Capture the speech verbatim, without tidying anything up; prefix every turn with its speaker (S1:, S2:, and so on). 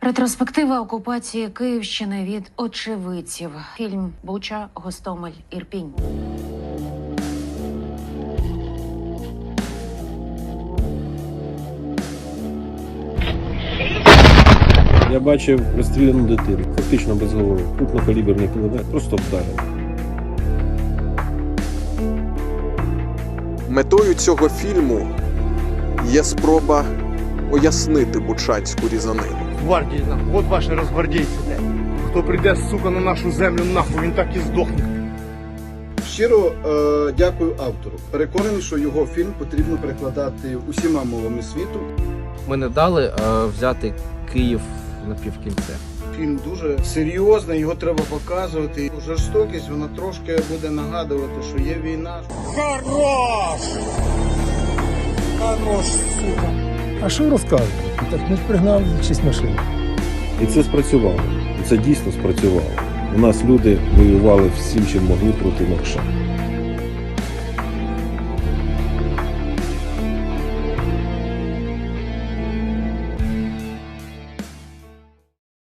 S1: Ретроспектива окупації Київщини від очевидців. Фільм «Буча, Гостомель, Ірпінь».
S2: Я бачив розстріляну дитину, фактично без голови, крупнокаліберний кулемет, просто вдарив.
S3: Метою цього фільму є спроба пояснити бучанську різанину.
S4: Гвардії, нахуй, от ваші розгвардійці, блядь. Хто прийде, сука, на нашу землю, нахуй, він так і здохне.
S5: Щиро е, дякую автору. Переконаний, що його фільм потрібно перекладати усіма мовами світу.
S6: Ми не дали е, взяти Київ на півкінця.
S5: Фільм дуже серйозний, його треба показувати. Жорстокість, вона трошки буде нагадувати, що є війна.
S4: Хорош! Хорош, сука!
S7: А що розказувати? Так не пригнав шість машин.
S2: І це спрацювало. І це дійсно спрацювало. У нас люди воювали всім, чим могли проти Мокша.